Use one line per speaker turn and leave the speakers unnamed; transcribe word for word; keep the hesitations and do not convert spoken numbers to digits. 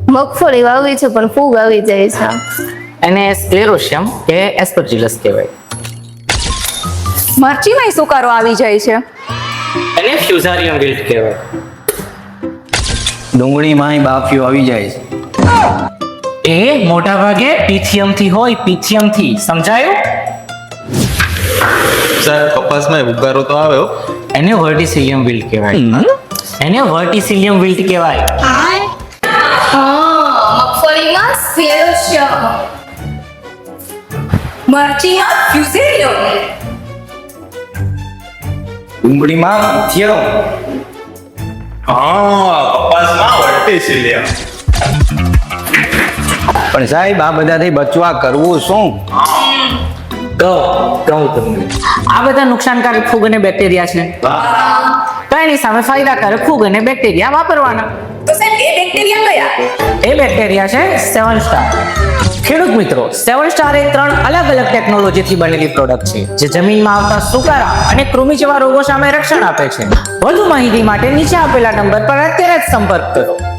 મગફળી વાવી છે પણ ફૂગ આવી જાય છે.
એને સ્ક્લેરોશિયમ કે એસ્પરજીલસ કહેવાય.
મરચીમાંય સુકારો આવી જાય છે.
એને ફ્યુઝારિયમ વિલ્ટ કહેવાય.
ડુંગળીમાંય બાફીઓ આવી જાય છે.
એ મોટા ભાગે પીથિયમ થી હોય, પીથિયમ થી. સમજાયું?
સર કપાસમાં ઉગારો તો આવ્યો.
એને વર્ટિસિલિયમ વિલ્ટ કહેવાય. એને વર્ટિસિલિયમ વિલ્ટ કહેવાય.
મગફળીમાં સ્ક્લેરોશિયમ,
મરચીમાં ફ્યુઝેરિયમ,
ડુંગળીમાં થયો.
હા કપાસમાં વર્ટિસિલિયમ.
પણ સાહેબ આ બધાથી બચવા કરવું શું?
કહું કહું તમને. આ બધા નુકસાનકારક ફૂગ અને બેક્ટેરિયા છે. તો એની સામે ફાયદાકારક ફૂગ અને બેક્ટેરિયા વાપરવાના.
તો સાહેબ એ બેક્ટેરિયા કયા?
એ બેક્ટેરિયા છે સેવન સ્ટાર. ખેડૂત મિત્રો, સેવન સ્ટાર એ ત્રણ અલગ અલગ ટેકનોલોજીથી બનેલી પ્રોડક્ટ છે જે જમીનમાં આવતા સુકારા અને કૃમિ જેવા રોગો સામે રક્ષણ આપે છે. વધુ માહિતી માટે નીચે આપેલા નંબર પર અત્યારે જ સંપર્ક કરો.